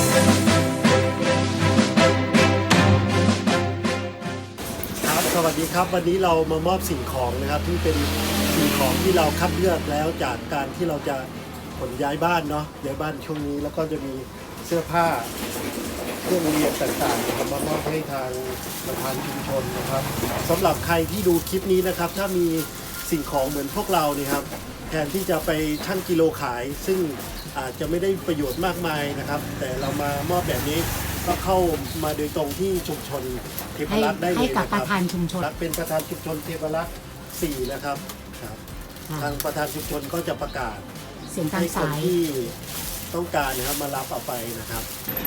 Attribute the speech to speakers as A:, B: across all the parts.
A: สวัสดีครับวันนี้เรามามอบสิ่งของนะครับที่เป็นสิ่งของที่เราคัดเลือกแล้วจากการที่เราจะขนย้ายบ้านเนาะย้ายบ้านช่วงนี้แล้วก็จะมีเสื้อผ้าเครื่องเรียนต่างๆนะครับมามอบให้ทางประธานชุมชนนะครับสำหรับใครที่ดูคลิปนี้นะครับถ้ามีสิ่งของเหมือนพวกเราเนี่ยครับแทนที่จะไปชั่งกิโลขายซึ่งอาจจะไม่ได้ประโยชน์มากมายนะครับแต่เรามามอบแบบนี้ก็เข้ามาโดยตรงที่ชุมชนเทพรัตน์ได้เลย
B: ให้กับ
A: นะค
B: ป
A: รับ
B: ระธานชุมชน
A: เป็นประธานชุมชนเทพรัตน์4นะครับทางประธานชุมชนก็จะประกาศ
B: เสียงตาม
A: ให้คน
B: สาย
A: ที่ต้องการนะครับมารับเอาไปนะครับ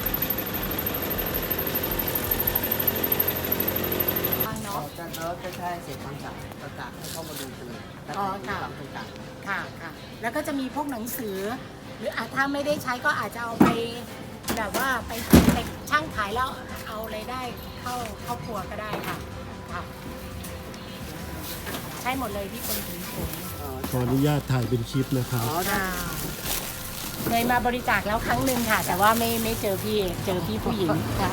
C: เราจะใช้เสียงคำสั่งประกาศให้เข้ามาดูกันเลยและ
B: อ๋อ
C: มี
B: ค่ะ
C: ความต่าง
B: ค่ะค่ะแล้วก็จะมีพวกหนังสือ หรือถ้าไม่ได้ใช้ก็อาจจะเอาไปแบบว่าไปช่างขายแล้วเอารายได้เข้าครอบครัวก็ได้ค่ะค่ะใช่หมดเลยที่คนถึงผม
A: ขออนุญาตถ่ายเป็นคลิปนะครับ
B: ค่ะเคยมาบริจาคแล้วครั้งหนึ่งค่ะ แต่ว่าไม่เจอพี่ผู้หญิงค่ะ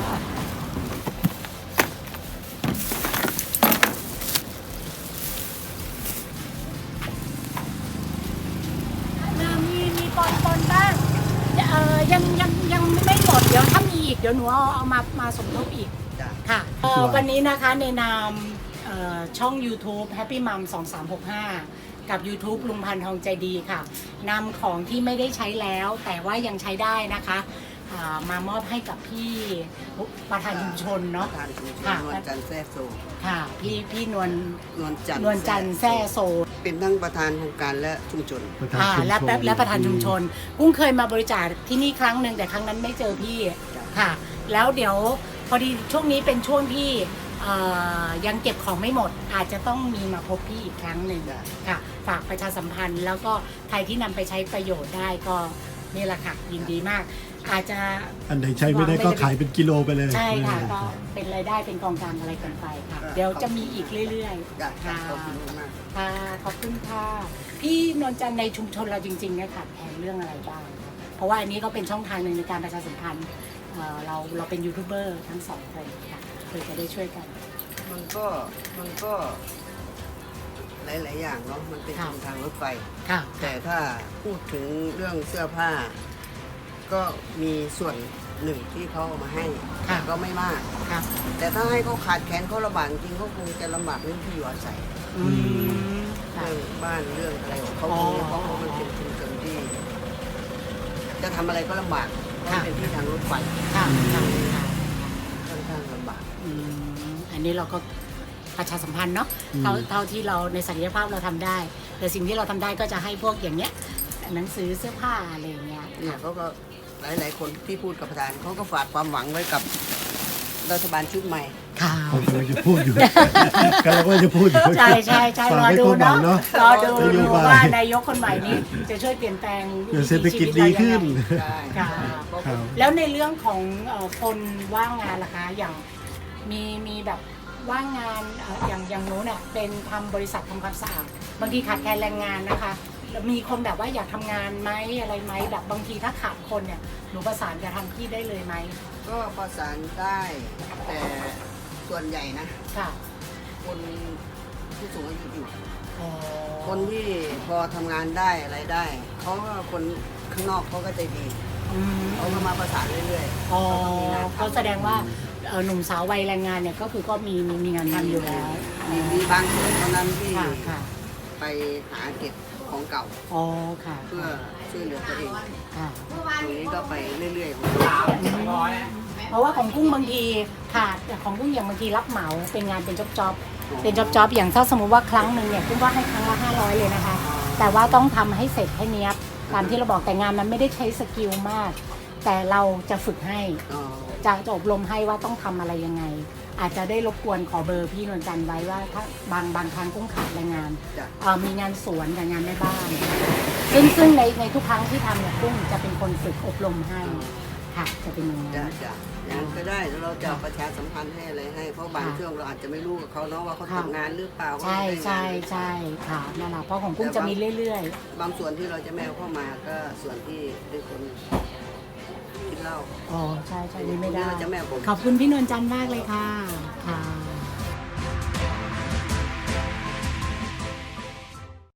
B: มีปนบ้างยังไม่หมดเดี๋ยวถ้ามีอีกเดี๋ยวหนูเอามาสมทบอีก
C: ๆจ้ะ
B: ค่ะวันนี้นะคะในนามช่อง YouTube Happy Mom 2365 กับ YouTube ลุงพันธ์ทองใจดีค่ะนำของที่ไม่ได้ใช้แล้วแต่ว่ายังใช้ได้นะคะมามอบให้กับพี่ประธานชุมชนเนาะ
C: ประธานชุมชน
B: ค่ะ
C: นวลจันทร์แซ่โซ
B: ค่ะพี่นวล
C: นวลจันทร์
B: แซ่โซ
C: เป็นทั้งประธานโครงการและชุมชน
B: และประธานชุมชนกุ้งเคยมาบริจาคที่นี่ครั้งหนึ่งแต่ครั้งนั้นไม่เจอพี่ค่ะ แล้วเดี๋ยวพอดีช่วงนี้เป็นช่วงที่ยังเก็บของไม่หมดอาจจะต้องมีมาพบพี่อีกครั้งหนึ่งค่ะฝากประชาสัมพันธ์ แล้วก็ใครที่นำไปใช้ประโยชน์ได้ก็นี่แหละค่ะยินดีมาก อาจจะ
A: อันไหนใช้ไม่ได้ก็ขายเป็นกิโลไปเลย
B: ใช่ค่ะก็เป็นรายได้เป็นกองกลางอะไรกันไปค่ะเดี๋ยวจะมีอีกเรื่อย
C: จ้ะ
B: ๆค่ะ
C: ขอบคุณมาก
B: ค่ะขอบคุณค่ะพี่นวลจันทร์ในชุมชนเราจริงๆเนี่ยค่ะแทนเรื่องอะไรบ้างคะเพราะว่าอันนี้ก็เป็นช่องทางหนึ่งในการประชาสัมพันธ์เราเป็นยูทูบเบอร์ทั้งสองคนค่ะเพื่อจะได้ช่วยกัน
C: มันก็หลายๆอย่างเนาะมันเป็น
B: ค่ะ
C: ช่องทางรถไฟ
B: ค่ะ
C: แต่ถ้าพูดถึงเรื่องเสื้อผ้า ก็มีส่วนหนึ่งที่เขาเอามาให้แต่ก็ไม่มาก
B: ค่ะ
C: แต่ถ้าให้เขาขาดแคลนเขาลำบากจริงเขาคงจะลำบากเรื่องที่อยู่อาศัย
B: อืมค่ะ
C: เรื่องบ้านเรื่องอะไรของเขา
B: อ๋อ
C: เพราะมันเป็นชุมชนที่ จะทำอะไรก็ลำบากเพราะ
B: ค่ะ
C: มันเป็นที่ทางรถไฟ
B: ค่ะค่ะค่ะ
C: ค่อนข้างลำบาก
B: อันนี้เราก็ประชาสัมพันธ์เนาะเท่าที่เราในศักยภาพเราทำได้ แต่สิ่งที่เราทำได้ก็จะให้พวกอย่างเนี้ยหนังสือเสื้อผ้าอะไรอย่างเงี้ย
C: เนี่ยเขาก็หลายๆคนที่พูดกับประธานเขาก็ฝากความหวังไว้กับรัฐบาลชุดใหม่
B: ค่ะ
A: ผมกำลังจะพูดอยู่ กำลังว่าจะพูดอยู่
B: ใช่รอดูเนาะรอดู
A: นโยบาย
B: ว่านายกคนใหม่นี้จะช่วยเปลี่ยนแปลง
A: เดี๋ยวเศรษฐกิจดีขึ้น
C: ใช่
B: ค่ะ
A: ครับ
B: แล้วในเรื่องของคนว่างงานล่ะคะอย่างมีแบบว่างงานอย่างโน้นเนี่ยเป็นทำบริษัททำความสะอาดบางทีขาดแคลนแรงงานนะคะแล้วมีคนแบบว่าอยากทำงานไหมอะไรไหมแบบบางทีถ้าขาดคนเนี่ยหนูประสานจะทำที่ได้เลยไหม
C: ก็ประสานได้แต่ส่วนใหญ่นะ
B: ค่ะ
C: คนผู้สูงอายุอยู่
B: อ๋อ
C: คนที่พอทำงานได้อะไรได้เขาก็คนข้างนอกเขาก็ใจดี
B: อืม
C: เขาก็มาประสานเรื่อยๆ
B: อ๋อ
C: เขาก็มีงาน
B: ก็
C: ทำ
B: แสดงว่าหนุ่มสาววัยแรงงานเนี่ยก็คือก็มีงานทำอยู่แล้ว
C: มีบางส่วนเท่านั้นที่
B: ค่ะค่ะ
C: ไปหาเก็บของเก่า
B: อ๋อค่ะ
C: เพื่อช่วยเหลือตัวเอง
B: ค่ะ
C: ตรงนี้ก็ไปเรื่อยๆของ
B: เพราะว่าของกุ้งบางทีขาดแต่ของกุ้งอย่างบางทีรับเหมาเป็นงานเป็นจ็อบเป็นจ็อบอย่างถ้าสมมติว่าครั้งหนึ่งเนี่ยกุ้งว่าให้ครั้งละ500เลยนะคะ แต่ว่าต้องทำให้เสร็จให้เนี้ยบตามที่เราบอกแต่งานมันไม่ได้ใช้สกิลมาก แต่เราจะฝึกให้จะอบรมให้ว่าต้องทำอะไรยังไง อาจจะได้รบกวนขอเบอร์พี่นวลจันทร์ไว้ว่าถ้าบางครั้งกุ้งขาดแรงงาน
C: จ้ะ
B: มีงานสวนกับงานแม่บ้านซึ่งในทุกครั้งที่ทำเนี่ยกุ้งจะเป็นคนฝึกอบรมให้ค่ะจะเป็นอย่างนั้น
C: จ้ะอย่างนั้นก็ได้แล้วเราจะประชาสัมพันธ์ให้อะไรให้เพราะบางช่วงเราอาจจะไม่รู้กับเขาเนาะว่าเขาทำงานหรือเปล่า
B: ใช่
C: ว่าไม่ได้งานหรือเปล่า
B: ใช่ค่ะนั่นแหละเพราะของกุ้งจะมีเรื่อย
C: บางส่วนที่เราจะแมวเข้ามาก็ส่วนที่เป็นคนที่เหล้า
B: อ๋อใช่ใช่ไม่ได้
C: เจ้าแม่ผม
B: ขอบคุณพี่นวลจันทร์มากเลยค่ะค่ะ